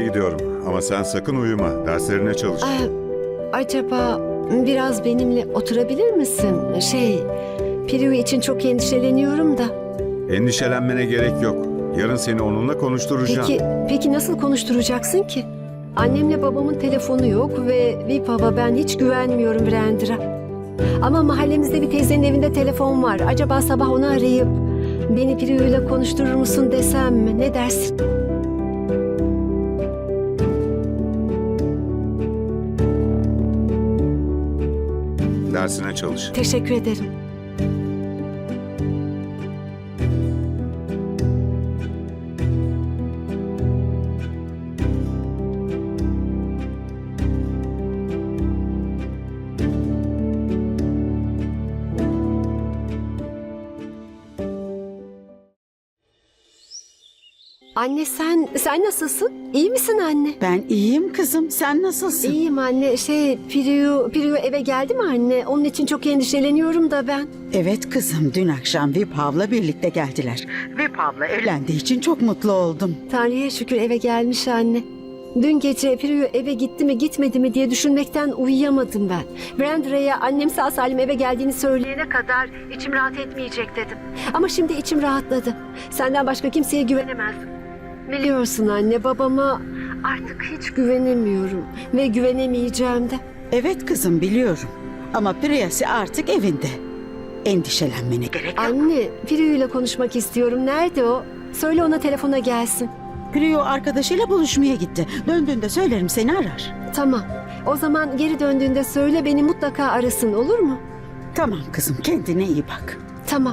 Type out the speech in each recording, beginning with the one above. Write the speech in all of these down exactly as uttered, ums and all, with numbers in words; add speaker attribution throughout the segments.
Speaker 1: gidiyorum ama sen sakın uyuma. Derslerine çalış.
Speaker 2: Aa, acaba biraz benimle oturabilir misin? Şey, Priyu için çok endişeleniyorum da.
Speaker 1: Endişelenmene gerek yok. Yarın seni onunla konuşturacağım.
Speaker 2: Peki, peki nasıl konuşturacaksın ki? Annemle babamın telefonu yok ve Vipav'a ben hiç güvenmiyorum Virendra. Ama mahallemizde bir teyzenin evinde telefon var. Acaba sabah onu arayıp beni Priyu'yla konuşturur musun desem mi? Ne dersin?
Speaker 1: Dersine çalış.
Speaker 2: Teşekkür ederim. Anne sen, sen nasılsın? İyi misin anne?
Speaker 3: Ben iyiyim kızım. Sen nasılsın?
Speaker 2: İyiyim anne. Şey, Priyu, Priyu eve geldi mi anne? Onun için çok endişeleniyorum da ben.
Speaker 3: Evet kızım. Dün akşam Vipav'la birlikte geldiler. Vipav'la evlendiği için çok mutlu oldum.
Speaker 2: Tanrı'ya şükür eve gelmiş anne. Dün gece Priyu eve gitti mi gitmedi mi diye düşünmekten uyuyamadım ben. Virendra'ya annem sağ salim eve geldiğini söyleyene kadar içim rahat etmeyecek dedim. Ama şimdi içim rahatladı. Senden başka kimseye güvenemezdim. Biliyorsun anne, babama artık hiç güvenemiyorum ve güvenemeyeceğim de.
Speaker 3: Evet kızım biliyorum. Ama Priyasi artık evinde. Endişelenmene gerek yok.
Speaker 2: Anne, Priyu ile konuşmak istiyorum. Nerede o? Söyle ona telefona gelsin.
Speaker 3: Priyo arkadaşıyla buluşmaya gitti. Döndüğünde söylerim seni arar.
Speaker 2: Tamam. O zaman geri döndüğünde söyle beni mutlaka arasın, olur mu?
Speaker 3: Tamam kızım kendine iyi bak.
Speaker 2: Tamam.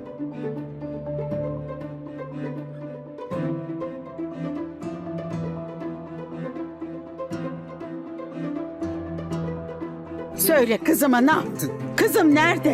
Speaker 3: Söyle kızıma ne yaptın? Kızım nerede?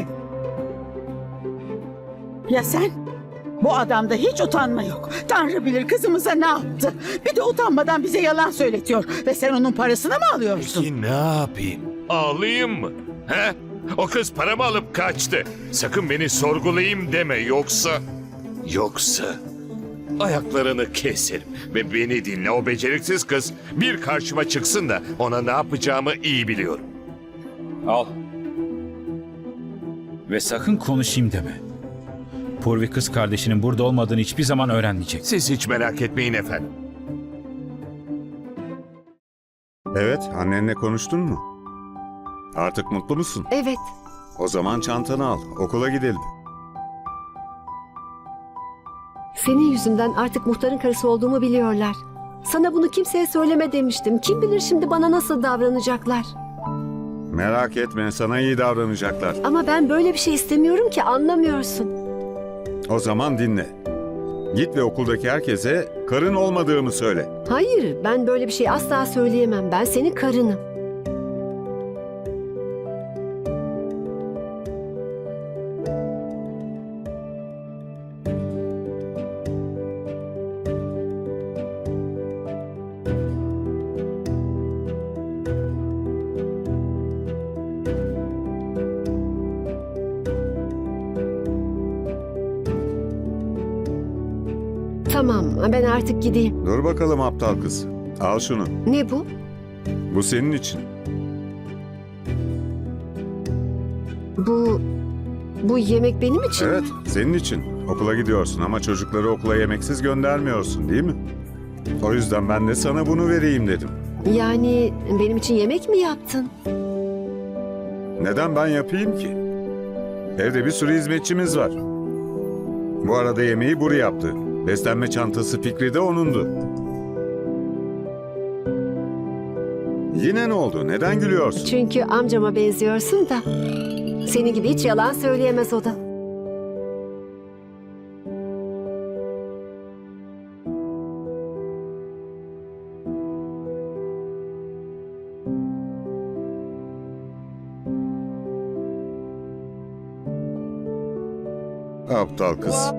Speaker 3: Ya sen? Bu adamda hiç utanma yok. Tanrı bilir kızımıza ne yaptı. Bir de utanmadan bize yalan söyletiyor. Ve sen onun parasını mı alıyorsun?
Speaker 4: Peki ne yapayım? Ağlayayım mı? He? O kız paramı alıp kaçtı. Sakın beni sorgulayayım deme yoksa... Yoksa... Ayaklarını keserim ve beni dinle, o beceriksiz kız bir karşıma çıksın da ona ne yapacağımı iyi biliyorum.
Speaker 5: Al. Ve sakın konuşayım deme. Purvi kız kardeşinin burada olmadığını hiçbir zaman öğrenmeyecek.
Speaker 4: Siz hiç merak etmeyin efendim.
Speaker 1: Evet, annenle konuştun mu? Artık mutlu musun?
Speaker 2: Evet.
Speaker 1: O zaman çantanı al, okula gidelim.
Speaker 2: Senin yüzünden artık muhtarın karısı olduğumu biliyorlar. Sana bunu kimseye söyleme demiştim. Kim bilir şimdi bana nasıl davranacaklar.
Speaker 1: Merak etme, sana iyi davranacaklar.
Speaker 2: Ama ben böyle bir şey istemiyorum ki, anlamıyorsun.
Speaker 1: O zaman dinle. Git ve okuldaki herkese karın olmadığımı söyle.
Speaker 2: Hayır, ben böyle bir şey asla söyleyemem. Ben senin karınım. Tamam, ben artık gideyim.
Speaker 1: Dur bakalım aptal kız. Al şunu.
Speaker 2: Ne bu?
Speaker 1: Bu senin için.
Speaker 2: Bu... Bu yemek benim için
Speaker 1: Evet,
Speaker 2: mi?
Speaker 1: senin için. Okula gidiyorsun ama çocukları okula yemeksiz göndermiyorsun, değil mi? O yüzden ben de sana bunu vereyim dedim.
Speaker 2: Yani benim için yemek mi yaptın?
Speaker 1: Neden ben yapayım ki? Evde bir sürü hizmetçimiz var. Bu arada yemeği Buri yaptı. Beslenme çantası fikri de onundu. Yine ne oldu? Neden gülüyorsun?
Speaker 2: Çünkü amcama benziyorsun da. Senin gibi hiç yalan söyleyemez o da.
Speaker 1: Aptal kız.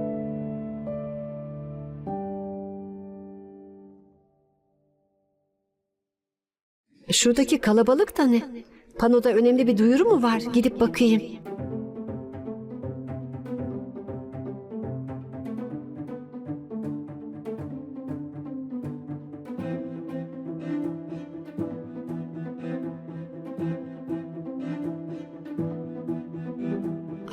Speaker 2: Şuradaki kalabalık da ne? Panoda önemli bir duyuru mu var? Gidip bakayım.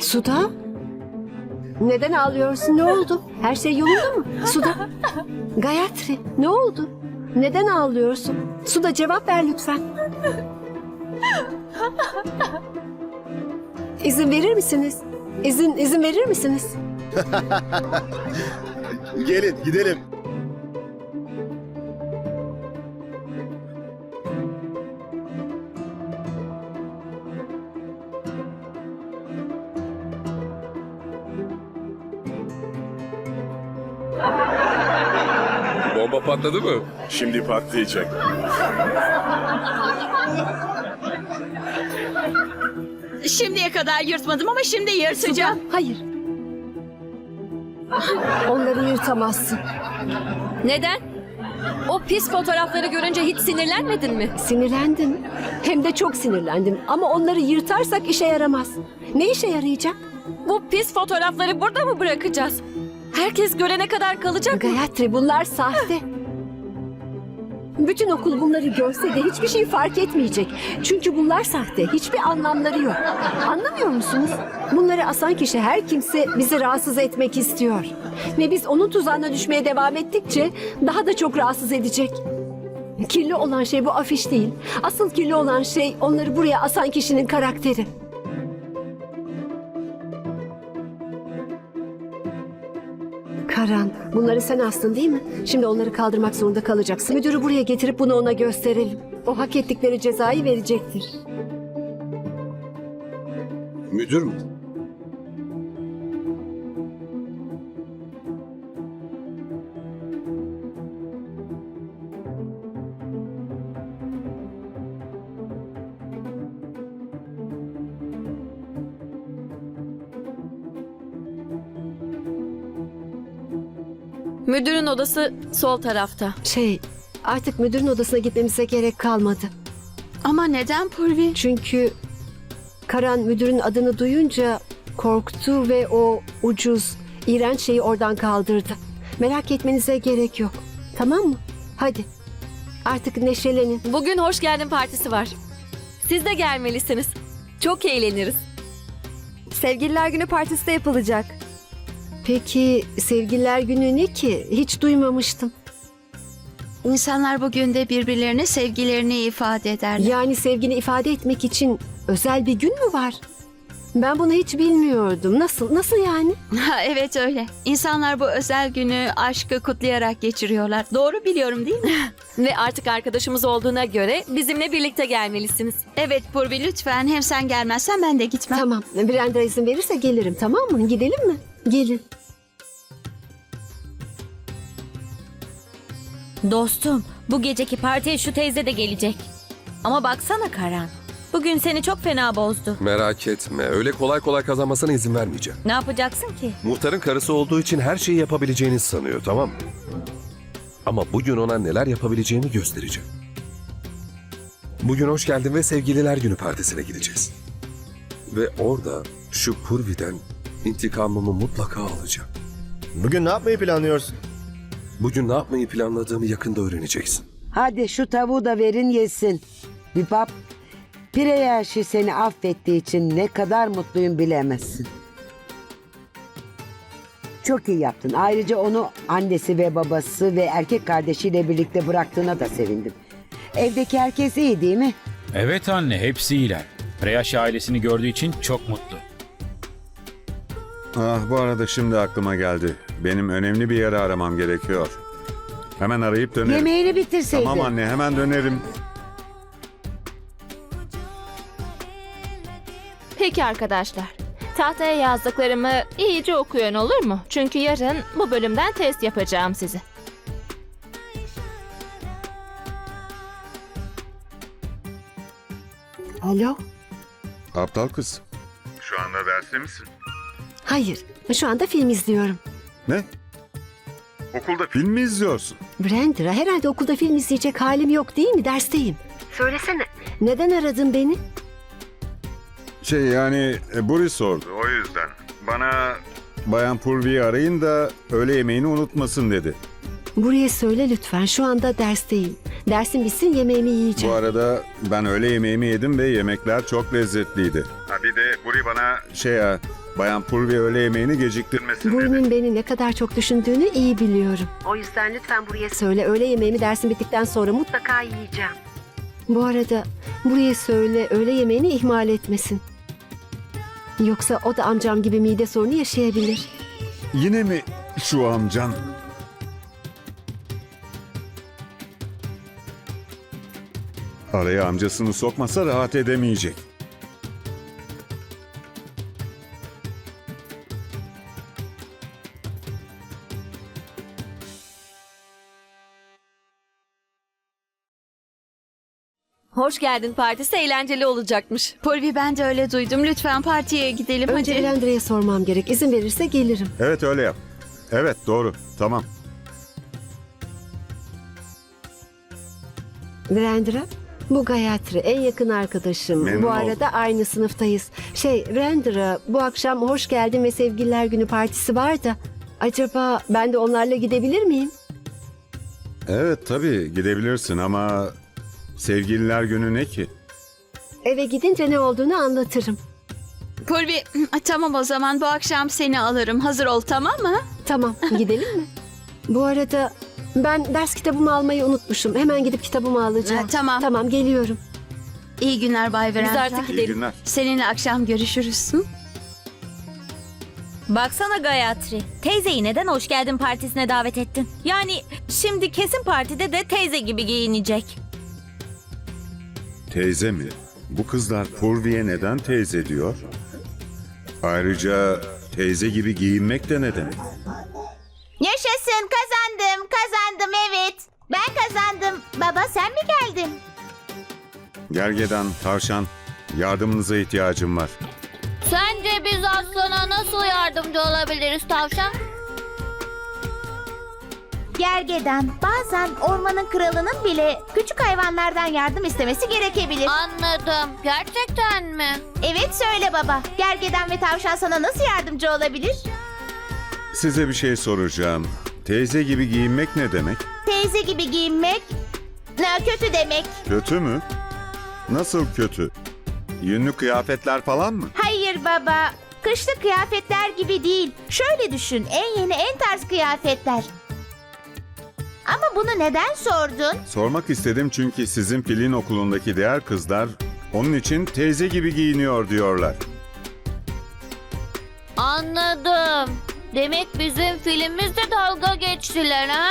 Speaker 2: Suda? Neden ağlıyorsun? Ne oldu? Her şey yolunda mı? Suda. Gayatri, ne oldu? Neden ağlıyorsun? Suda, cevap ver lütfen. İzin verir misiniz? İzin izin verir misiniz?
Speaker 6: Gelin gidelim.
Speaker 7: Bomba patladı mı?
Speaker 6: Şimdi patlayacak.
Speaker 8: Şimdiye kadar yırtmadım ama şimdi yırtacağım.
Speaker 2: Hayır. Onları yırtamazsın.
Speaker 9: Neden? O pis fotoğrafları görünce hiç sinirlenmedin mi?
Speaker 2: Sinirlendim. Hem de çok sinirlendim. Ama onları yırtarsak işe yaramaz. Ne işe yarayacak?
Speaker 9: Bu pis fotoğrafları burada mı bırakacağız? Herkes görene kadar kalacak mı?
Speaker 2: Gayatri, bunlar sahte. Bütün okul bunları görse de hiçbir şey fark etmeyecek. Çünkü bunlar sahte. Hiçbir anlamları yok. Anlamıyor musunuz? Bunları asan kişi her kimse bizi rahatsız etmek istiyor. Ve biz onun tuzağına düşmeye devam ettikçe daha da çok rahatsız edecek. Kirli olan şey bu afiş değil. Asıl kirli olan şey onları buraya asan kişinin karakteri. Karan, bunları sen astın değil mi? Şimdi onları kaldırmak zorunda kalacaksın. Müdürü buraya getirip bunu ona gösterelim. O hak ettikleri cezayı verecektir.
Speaker 6: Müdür mü?
Speaker 9: Müdürün odası sol tarafta.
Speaker 2: Şey, artık müdürün odasına gitmemize gerek kalmadı.
Speaker 8: Ama neden Purvi?
Speaker 2: Çünkü Karan müdürün adını duyunca korktu ve o ucuz, iğrenç şeyi oradan kaldırdı. Merak etmenize gerek yok. Tamam mı? Hadi. Artık neşelenin.
Speaker 9: Bugün hoş geldin partisi var. Siz de gelmelisiniz. Çok eğleniriz. Sevgililer Günü partisi de yapılacak.
Speaker 2: Peki Sevgililer Günü ne ki? Hiç duymamıştım.
Speaker 8: İnsanlar bugün de birbirlerine sevgilerini ifade ederler.
Speaker 2: Yani sevgini ifade etmek için özel bir gün mü var? Ben bunu hiç bilmiyordum. Nasıl? Nasıl yani?
Speaker 8: Ha, evet öyle. İnsanlar bu özel günü aşkı kutlayarak geçiriyorlar. Doğru biliyorum değil mi?
Speaker 9: Ve artık arkadaşımız olduğuna göre bizimle birlikte gelmelisiniz.
Speaker 8: Evet Purvi lütfen. Hem sen gelmezsen ben de gitmem.
Speaker 2: Tamam. Brenda izin verirse gelirim, tamam mı? Gidelim mi? Gelin.
Speaker 10: Dostum, bu geceki partiye şu teyze de gelecek. Ama baksana Karan, bugün seni çok fena bozdu.
Speaker 7: Merak etme. Öyle kolay kolay kazanmasına izin vermeyeceğim.
Speaker 10: Ne yapacaksın ki?
Speaker 7: Muhtarın karısı olduğu için her şeyi yapabileceğini sanıyor, tamam mı? Ama bugün ona neler yapabileceğimi göstereceğim. Bugün hoş geldin ve sevgililer günü partisine gideceğiz. Ve orada şu Purvi'den intikamımı mutlaka alacağım.
Speaker 6: Bugün ne yapmayı planlıyorsun?
Speaker 7: Bugün ne yapmayı planladığımı yakında öğreneceksin.
Speaker 11: Hadi şu tavuğu da verin yesin. Bipap, Pireyaşi seni affettiği için ne kadar mutluyum bilemezsin. Çok iyi yaptın. Ayrıca onu annesi ve babası ve erkek kardeşiyle birlikte bıraktığına da sevindim. Evdeki herkes iyi değil mi?
Speaker 5: Evet anne, hepsi iyiler. Preyaş ailesini gördüğü için çok mutlu.
Speaker 1: Ah, bu arada şimdi aklıma geldi. Benim önemli bir yere aramam gerekiyor. Hemen arayıp dönerim.
Speaker 11: Yemeğini bitirseydin.
Speaker 1: Tamam anne, hemen dönerim.
Speaker 12: Peki arkadaşlar. Tahtaya yazdıklarımı iyice okuyun olur mu? Çünkü yarın bu bölümden test yapacağım size.
Speaker 2: Alo?
Speaker 1: Aptal kız. Şu anda derste misin?
Speaker 2: Hayır. Şu anda film izliyorum.
Speaker 1: Ne? Okulda film mi izliyorsun?
Speaker 2: Brenda, herhalde okulda film izleyecek halim yok değil mi? Dersteyim. Söylesene. Neden aradın beni?
Speaker 1: Şey yani e, Boris sordu. O yüzden. Bana Bayan Purvi'yi arayın da öğle yemeğini unutmasın dedi.
Speaker 2: Buraya söyle lütfen. Şu anda dersteyim. Dersim bitsin yemeğimi
Speaker 1: Bu
Speaker 2: yiyeceğim.
Speaker 1: arada ben öğle yemeğimi yedim ve yemekler çok lezzetliydi. Ha bir de Buri bana şey ya Bayan Purvi öğle yemeğini geciktirmesin dedi.
Speaker 2: Burnin beni ne kadar çok düşündüğünü iyi biliyorum. O yüzden lütfen buraya söyle. Öğle yemeğimi dersin bittikten sonra mutlaka yiyeceğim. Bu arada buraya söyle öğle yemeğini ihmal etmesin. Yoksa o da amcam gibi mide sorunu yaşayabilir.
Speaker 1: Yine mi şu amcan? Araya amcasını sokmasa rahat edemeyecek.
Speaker 9: Hoş geldin partisi eğlenceli olacakmış.
Speaker 8: Purvi, ben de öyle duydum. Lütfen partiye gidelim
Speaker 2: Önce
Speaker 8: hadi.
Speaker 2: Virendra'ya sormam gerek. İzin verirse gelirim.
Speaker 1: Evet öyle yap. Evet doğru. Tamam.
Speaker 2: Virendra, bu Gayatri en yakın arkadaşım.
Speaker 1: Memnun
Speaker 2: bu
Speaker 1: oldum.
Speaker 2: arada aynı sınıftayız. Şey Virendra, bu akşam hoş geldin ve sevgililer günü partisi var da acaba ben de onlarla gidebilir miyim?
Speaker 1: Evet tabii gidebilirsin ama sevgililer günü ne ki?
Speaker 2: Eve gidince ne olduğunu anlatırım.
Speaker 8: Purvi, tamam o zaman bu akşam seni alırım. Hazır ol, tamam mı?
Speaker 2: Tamam, gidelim mi? Bu arada ben ders kitabımı almayı unutmuşum. Hemen gidip kitabımı alacağım.
Speaker 8: Ha, tamam.
Speaker 2: Tamam, geliyorum.
Speaker 8: İyi günler Bay
Speaker 9: Biz
Speaker 8: Virendra.
Speaker 9: artık
Speaker 1: İyi
Speaker 9: gidelim.
Speaker 1: günler.
Speaker 8: Seninle akşam görüşürüz. Hı?
Speaker 10: Baksana Gayatri. Teyzeyi neden hoş geldin partisine davet ettin? Yani şimdi kesin partide de teyze gibi giyinecek.
Speaker 1: Teyze mi? Bu kızlar Purvi'ye neden teyze diyor? Ayrıca teyze gibi giyinmek de ne demek?
Speaker 12: Yaşasın, kazandım, kazandım evet. Ben kazandım. Baba sen mi geldin?
Speaker 1: Gergedan, tavşan, yardımınıza ihtiyacım var.
Speaker 9: Sence biz aslana nasıl yardımcı olabiliriz tavşan?
Speaker 12: Gergedan, bazen ormanın kralının bile küçük hayvanlardan yardım istemesi gerekebilir.
Speaker 9: Anladım. Gerçekten mi?
Speaker 12: Evet söyle baba. Gergedan ve tavşan sana nasıl yardımcı olabilir?
Speaker 1: Size bir şey soracağım. Teyze gibi giyinmek ne demek?
Speaker 12: Teyze gibi giyinmek ne kötü demek.
Speaker 1: Kötü mü? Nasıl kötü? Yünlü kıyafetler falan mı?
Speaker 12: Hayır baba. Kışlık kıyafetler gibi değil. Şöyle düşün. En yeni en tarz kıyafetler. Ama bunu neden sordun?
Speaker 1: Sormak istedim çünkü sizin filin okulundaki diğer kızlar onun için teyze gibi giyiniyor diyorlar.
Speaker 9: Anladım. Demek bizim filmimizde dalga geçtiler ha?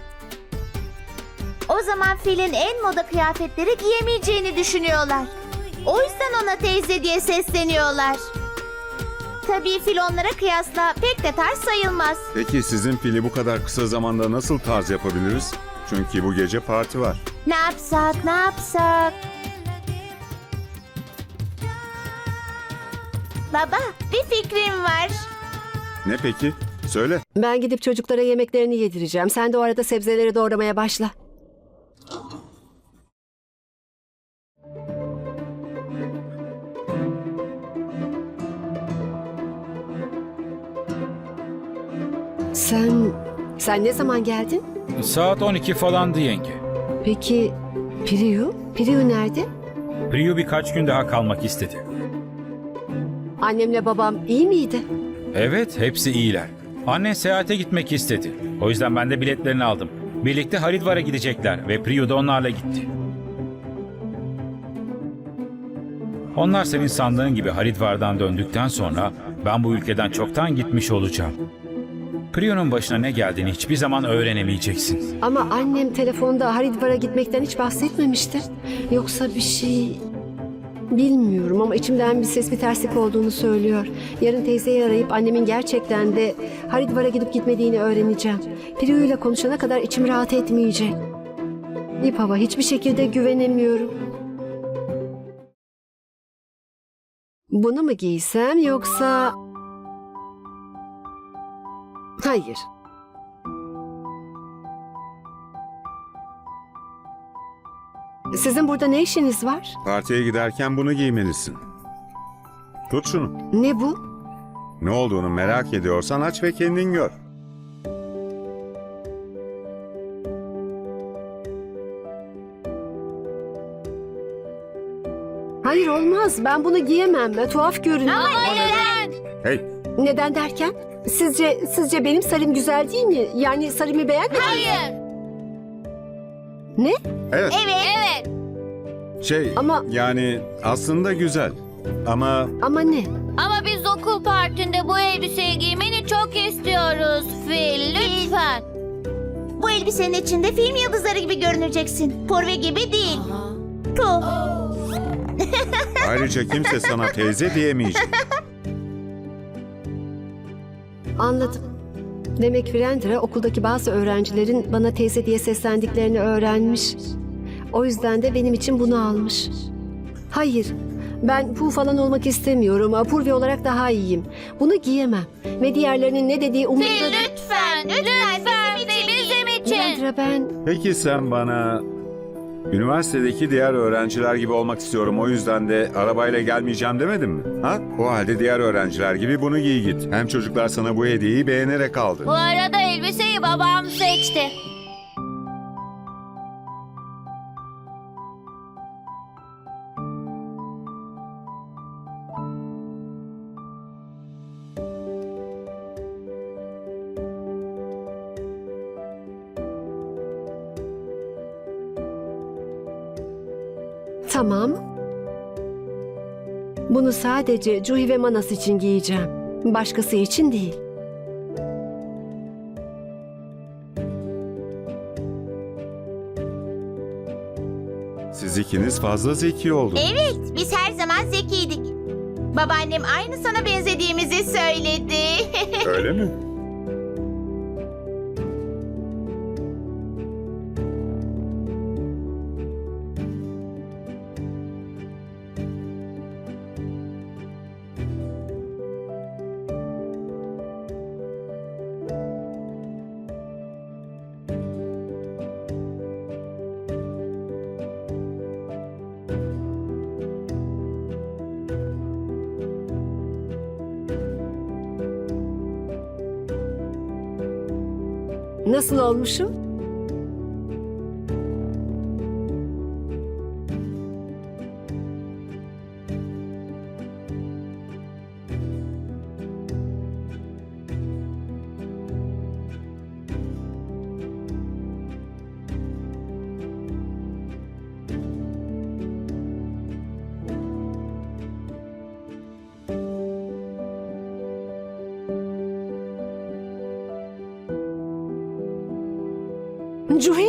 Speaker 12: O zaman filin en moda kıyafetleri giyemeyeceğini düşünüyorlar. O yüzden ona teyze diye sesleniyorlar. Tabii fil onlara kıyasla pek de tarz sayılmaz.
Speaker 1: Peki sizin fili bu kadar kısa zamanda nasıl tarz yapabiliriz? Çünkü bu gece parti var.
Speaker 12: Ne yapsak, ne yapsak? Baba, bir fikrim var.
Speaker 1: Ne peki? Söyle.
Speaker 2: Ben gidip çocuklara yemeklerini yedireceğim. Sen de o arada sebzeleri doğramaya başla. Sen, sen ne zaman geldin?
Speaker 5: Saat on iki falandı yenge.
Speaker 2: Peki Priyu? Priyu nerede?
Speaker 5: Priyu birkaç gün daha kalmak istedi.
Speaker 2: Annemle babam iyi miydi?
Speaker 5: Evet, hepsi iyiler. Annen seyahate gitmek istedi. O yüzden ben de biletlerini aldım. Birlikte Haridvar'a gidecekler ve Priyu da onlarla gitti. Onlar senin sandığın gibi Haridvar'dan döndükten sonra ben bu ülkeden çoktan gitmiş olacağım. Priyu'nun başına ne geldiğini hiçbir zaman öğrenemeyeceksin.
Speaker 2: Ama annem telefonda Haridvar'a gitmekten hiç bahsetmemişti. Yoksa bir şey... Bilmiyorum ama içimden bir ses bir terslik olduğunu söylüyor. Yarın teyzeyi arayıp annemin gerçekten de Haridvar'a gidip gitmediğini öğreneceğim. Priyu ile konuşana kadar içim rahat etmeyecek. Vipava hiçbir şekilde güvenemiyorum. Bunu mu giysem yoksa... Hayır. Sizin burada ne işiniz var?
Speaker 1: Partiye giderken bunu giymelisin. Tut şunu.
Speaker 2: Ne bu?
Speaker 1: Ne olduğunu merak ediyorsan aç ve kendin gör.
Speaker 2: Hayır olmaz. Ben bunu giyemem. Tuhaf görünüyor.
Speaker 9: Ama neden?
Speaker 1: Hey,
Speaker 2: Neden derken? Sizce sizce benim sarım güzel değil mi? Yani sarımı beğenmedin mi?
Speaker 12: Hayır.
Speaker 2: Ne?
Speaker 1: Evet.
Speaker 12: Evet.
Speaker 1: Şey
Speaker 2: Ama-
Speaker 1: yani aslında güzel. Ama
Speaker 2: Ama ne?
Speaker 10: Ama biz okul partinde bu elbiseyi giymeni çok istiyoruz Fil. Lütfen.
Speaker 12: Bu elbisenin içinde film yıldızları gibi görüneceksin. Purvi gibi değil. Puh.
Speaker 1: ayrıca kimse sana teyze diyemeyecek.
Speaker 2: Anladım. Demek Virendra okuldaki bazı öğrencilerin bana teyze diye seslendiklerini öğrenmiş. O yüzden de benim için bunu almış. Hayır, ben Pooh falan olmak istemiyorum. Purvi olarak daha iyiyim. Bunu giyemem. Ve diğerlerinin ne dediği umurumda değil.
Speaker 10: Lütfen. Lütfen Fil bizim için.
Speaker 2: Virendra ben...
Speaker 1: Peki sen bana üniversitedeki diğer öğrenciler gibi olmak istiyorum. O yüzden de arabayla gelmeyeceğim demedin mi? Ha? O halde diğer öğrenciler gibi bunu giy git. Hem çocuklar sana bu hediyeyi beğenerek aldı.
Speaker 10: Bu arada elbiseyi babam seçti.
Speaker 2: Tamam. Bunu sadece Juhi ve Manas için giyeceğim. Başkası için değil.
Speaker 1: Siz ikiniz fazla zeki oldunuz.
Speaker 12: Evet, biz her zaman zekiydik. Babaannem aynı sana benzediğimizi söyledi.
Speaker 1: Öyle mi?
Speaker 2: Nasıl olmuşum? Juhi,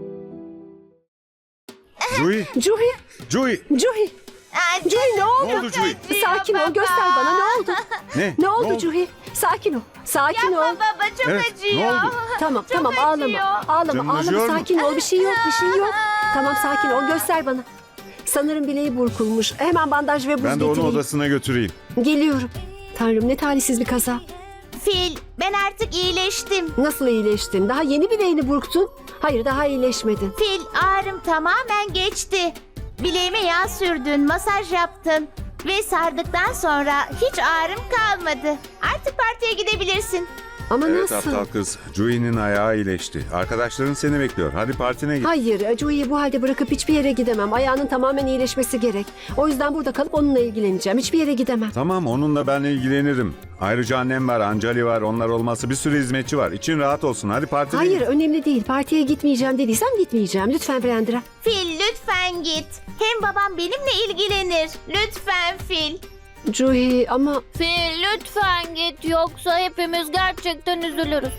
Speaker 1: Juhi,
Speaker 2: Juhi,
Speaker 1: Juhi.
Speaker 2: Juhi.
Speaker 12: Aa,
Speaker 2: Juhi ne oldu?
Speaker 1: Ne oldu Juhi?
Speaker 2: Sakin ol, göster bana ne oldu?
Speaker 1: Ne?
Speaker 2: Ne oldu Juhi? Sakin ol, sakin ol.
Speaker 12: Yapma baba, çok
Speaker 1: Evet,
Speaker 12: acıyor.
Speaker 1: ne oldu?
Speaker 2: Tamam,
Speaker 12: Çok
Speaker 2: tamam
Speaker 12: acıyor.
Speaker 2: ağlama. Ağlama,
Speaker 1: Canın
Speaker 2: ağlama.
Speaker 1: acıyor mu?
Speaker 2: Sakin ol. Bir şey yok, bir şey yok. Tamam sakin ol. Göster bana. Sanırım bileği burkulmuş. Hemen bandaj ve buz
Speaker 1: Ben de onu
Speaker 2: getireyim.
Speaker 1: odasına götüreyim.
Speaker 2: Geliyorum. Tanrım ne talihsiz bir kaza.
Speaker 12: Fil, ben artık iyileştim.
Speaker 2: Nasıl iyileştin? Daha yeni bileğini burktun. Hayır daha iyileşmedin.
Speaker 12: Fil, ağrım tamamen geçti. Bileğime yağ sürdün, masaj yaptın. Ve sardıktan sonra hiç ağrım kalmadı. Artık partiye gidebilirsin.
Speaker 2: Ama
Speaker 1: Evet
Speaker 2: nasıl?
Speaker 1: aptal kız. Juhi'nin ayağı iyileşti. Arkadaşların seni bekliyor. Hadi partine git.
Speaker 2: Hayır, Joey'i bu halde bırakıp hiçbir yere gidemem. Ayağının tamamen iyileşmesi gerek. O yüzden burada kalıp onunla ilgileneceğim. Hiçbir yere gidemem.
Speaker 1: Tamam onunla ben ilgilenirim. Ayrıca annem var, Anjali var. Onlar olmazsa bir sürü hizmetçi var. İçin rahat olsun. Hadi partine
Speaker 2: Hayır,
Speaker 1: git.
Speaker 2: önemli değil. Partiye gitmeyeceğim dediysem gitmeyeceğim. Lütfen Brandra.
Speaker 12: Fil, lütfen git. Hem babam benimle ilgilenir. Lütfen Fil.
Speaker 2: Joey ama...
Speaker 10: Fil lütfen git yoksa hepimiz gerçekten üzülürüz.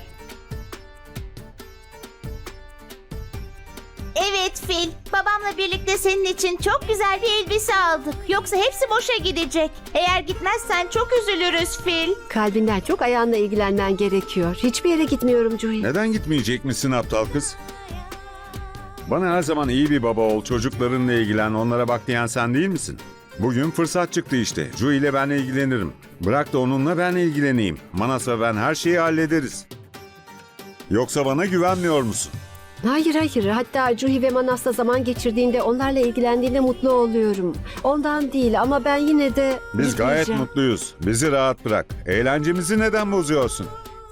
Speaker 12: Evet Fil, babamla birlikte senin için çok güzel bir elbise aldık. Yoksa hepsi boşa gidecek. Eğer gitmezsen çok üzülürüz Fil.
Speaker 2: Kalbinden çok ayağınla ilgilenmen gerekiyor. Hiçbir yere gitmiyorum Joey.
Speaker 1: Neden gitmeyecek misin aptal kız? Bana her zaman iyi bir baba ol, çocuklarınla ilgilen, onlara bak diyen sen değil misin? Bugün fırsat çıktı işte. Juhi ile ben ilgilenirim. Bırak da onunla ben ilgileneyim. Manas ve ben her şeyi hallederiz. Yoksa bana güvenmiyor musun?
Speaker 2: Hayır hayır. Hatta Juhi ve Manas'la zaman geçirdiğinde, onlarla ilgilendiğinde mutlu oluyorum. Ondan değil ama ben yine de
Speaker 1: Biz gayet
Speaker 2: gitmeyeceğim.
Speaker 1: mutluyuz. Bizi rahat bırak. Eğlencemizi neden bozuyorsun?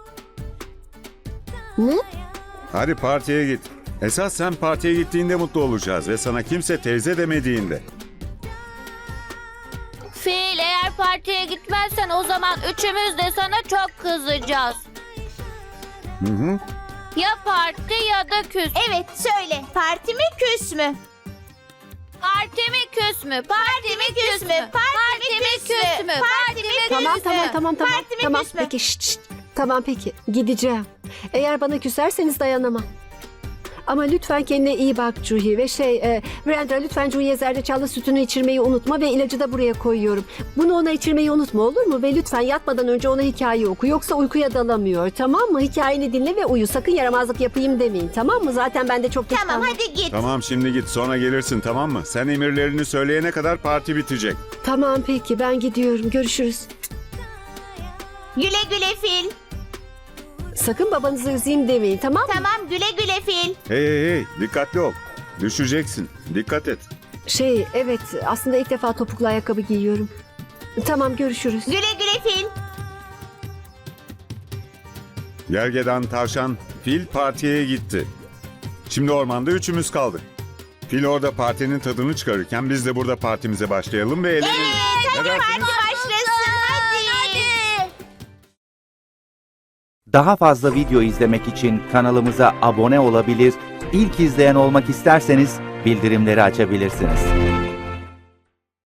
Speaker 2: Ne?
Speaker 1: Hadi partiye git. Esas sen partiye gittiğinde mutlu olacağız ve sana kimse teyze demediğinde.
Speaker 10: Fil eğer partiye gitmezsen
Speaker 12: gidersen o zaman üçümüz de sana çok kızacağız.
Speaker 1: Hı hı.
Speaker 12: Ya parti ya da küs. Evet söyle. Parti mi küs mü? Parti mi küs mü? Parti mi küs mü? Parti mi küs mü? Parti mi küs mü?
Speaker 2: Tamam tamam tamam tamam.
Speaker 12: Parti mi
Speaker 2: Tamam
Speaker 12: küs mü?
Speaker 2: peki şşt, şşt. Tamam peki gideceğim. Eğer bana küserseniz dayanamam. Ama lütfen kendine iyi bak Cuhi ve şey e, Brenda lütfen Cuhi'ye zerdeçallı sütünü içirmeyi unutma ve ilacı da buraya koyuyorum. Bunu ona içirmeyi unutma olur mu? Ve lütfen yatmadan önce ona hikaye oku yoksa uykuya dalamıyor tamam mı? Hikayeni dinle ve uyu sakın yaramazlık yapayım demeyin tamam mı? Zaten ben de çok geç
Speaker 12: Tamam
Speaker 2: kaldım.
Speaker 12: hadi git.
Speaker 1: Tamam şimdi git sonra gelirsin tamam mı? Sen emirlerini söyleyene kadar parti bitecek.
Speaker 2: Tamam peki ben gidiyorum görüşürüz.
Speaker 12: Güle güle fil.
Speaker 2: Sakın babanızı üzeyim demeyin tamam mı?
Speaker 12: Tamam güle güle fil.
Speaker 1: Hey hey hey dikkatli ol. Düşeceksin. Dikkat et.
Speaker 2: Şey evet aslında ilk defa topuklu ayakkabı giyiyorum. Tamam görüşürüz.
Speaker 12: Güle güle fil.
Speaker 1: Gergedan, tavşan, fil partiye gitti. Şimdi ormanda üçümüz kaldık. Fil orada partinin tadını çıkarırken biz de burada partimize başlayalım ve eğlenelim. Ne dersiniz?
Speaker 12: Hadi başlasın hadi.
Speaker 13: Daha fazla video izlemek için kanalımıza abone olabilir, ilk izleyen olmak isterseniz bildirimleri açabilirsiniz.